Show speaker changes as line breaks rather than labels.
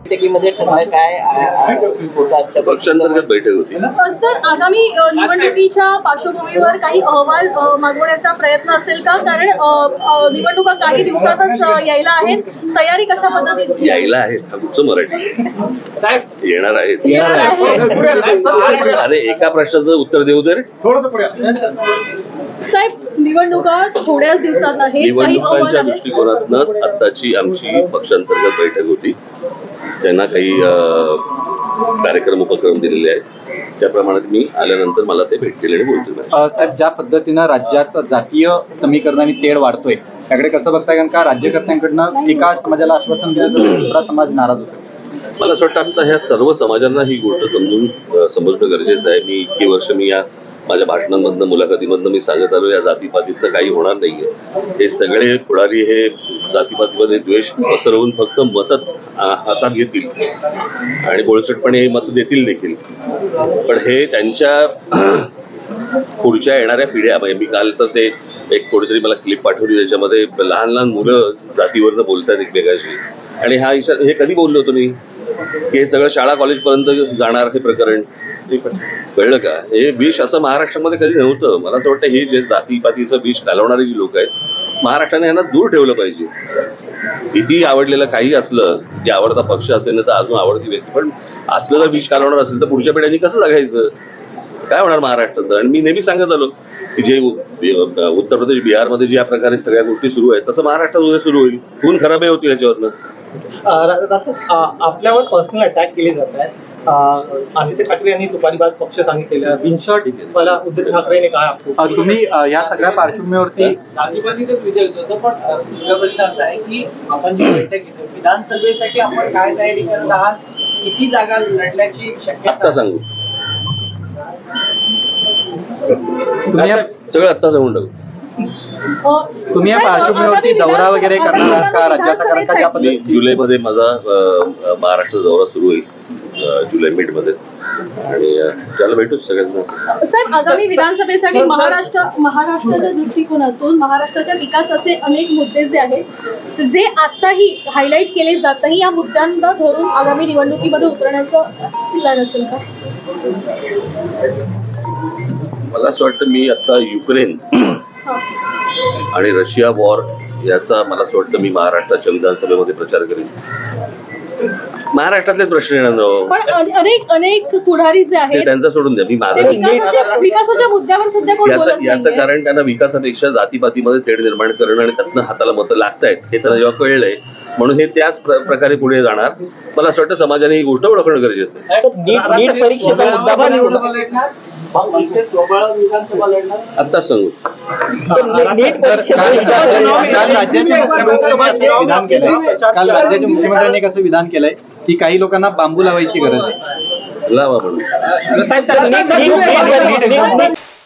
बैठकीमध्ये काय
पक्षांतर्गत बैठक होती.
सर, आगामी निवडणुकीच्या पार्श्वभूमीवर काही अहवाल मागवण्याचा प्रयत्न असेल का? कारण निवडणुका काही दिवसातच यायला आहेत. तयारी कशा पद्धतीची
यायला आहेत? हा कुठचं मराठी
साहेब
येणार आहेत?
आहे?
अरे एका प्रश्नाचं उत्तर देऊ दे रे.
साहेब, निवडणुका थोड्याच दिवसात आहेत. काही अहवाल
निवडणुकांच्या
आहेत?
दृष्टिकोनातूनच आत्ताची आमची पक्षांतर्गत बैठक होती. त्यांना काही कार्यक्रम उपक्रम दिलेले आहेत. त्याप्रमाणे मी आल्यानंतर मला ते भेटतील आणि बोलतील.
साहेब, ज्या पद्धतीनं राज्यात जातीय समीकरणाने तेढ वाढतोय त्याकडे कसं बघताय? कारण का राज्यकर्त्यांकडनं एका समाजाला आश्वासन दिलं तर दुसरा समाज नाराज होतो.
मला असं वाटतं आता ह्या सर्व समाजांना ही गोष्ट समजणं गरजेचं आहे. मी इतकी वर्ष या माझ्या भाषणांमधनं मुलाखतीमधनं मी सांगत आलो या जातीपातीतनं काही होणार नाहीये. हे सगळे पुढारी हे जातीपातीमध्ये द्वेष पसरवून फक्त मतं हातात घेतील आणि बोळसटपणे हे मतं देतील देखील. पण हे त्यांच्या पुढच्या येणाऱ्या पिढ्या, म्हणजे मी काल तर ते एक कोणीतरी मला क्लिप पाठवली त्याच्यामध्ये लहान लहान मुलं जातीवरनं बोलतात एकमेकाशी. आणि हा इशारा हे कधी बोललो होतो मी की हे सगळं शाळा कॉलेज पर्यंत जाणार हे प्रकरण कळलं का? हे विष असं महाराष्ट्रामध्ये कधी नव्हतं. मला असं वाटतं हे जे जातीपातीचं विष घालवणारे जी लोक आहेत महाराष्ट्राने यांना दूर ठेवलं पाहिजे. किती आवडलेलं काही असलं की आवडता पक्ष असेल ना तर अजून आवडती व्यक्ती, पण असलं जर विष घालवणार असेल तर पुढच्या पिढ्यांनी कसं जगायचं? काय होणार महाराष्ट्राचं? आणि मी नेहमी सांगत आलो की जे उत्तर प्रदेश बिहारमध्ये ज्या प्रकारे सगळ्या गोष्टी सुरू आहेत तसं महाराष्ट्रात उद्या सुरू होईल. खून खराबही होतील याच्यावरनं.
आपल्यावर पर्सनल अटॅक केले जात आहेत. आदित्य ठाकरे यांनी तुपारीबाज पक्ष सांगितलेलं. बिनशॉट मला उद्धव ठाकरेने काय
तुम्ही या सगळ्या पार्श्वभूमीवरती
जातीपातीचाच विचारत होतो, पण दुसरा प्रश्न असा आहे की आपण जी बैठक घेतो विधानसभेसाठी आपण काय तयारी करत आहात? किती जागा लढण्याची शक्यता?
आत्ता सांगू
तुम्ही
सगळं आत्ता सांगून टाकू.
तुम्ही या पार्श्वभूमीवरती दौरा वगैरे करणार आहात का राज्याचा? कारण का ज्या पद्धतीने
जुलैमध्ये माझा महाराष्ट्र दौरा सुरू होईल, जुलै मिडमध्ये, आणि त्याला भेटूच सगळ्यांना.
साहेब, आगामी विधानसभेसाठी महाराष्ट्राच्या दृष्टिकोनातून महाराष्ट्राच्या विकासाचे अनेक मुद्दे जे आहेत जे आताही हायलाईट केले जात नाही, या मुद्द्यांना धरून आगामी निवडणुकीमध्ये उतरण्याचं प्लॅन असेल का?
मला असं वाटतं मी आता युक्रेन आणि रशिया वॉर याचा मला असं वाटतं मी महाराष्ट्राच्या विधानसभेमध्ये प्रचार करेन. महाराष्ट्रातलेच प्रश्न येणार,
पण अनेक पुढारी जे आहेत
त्यांचा सोडून द्या. मी माझा
विकासाच्या मुद्द्यावर सध्या कोण बोलत नाहीये.
याचं कारण त्यांना विकासापेक्षा जातीपातीमध्ये तेढ निर्माण करणं आणि त्यातनं हाताला मतं लागतायत हे त्यांना जेव्हा कळलंय म्हणून हे त्याच प्रकारे पुढे जाणार. मला असं वाटतं समाजाने ही गोष्ट ओळखणं गरजेचं आहे. आता सांगू
काल राज्याच्या मुख्यमंत्र्यांनी कसं विधान केलंय की काही लोकांना बांबू लावायची गरज आहे.
लावा म्हणून.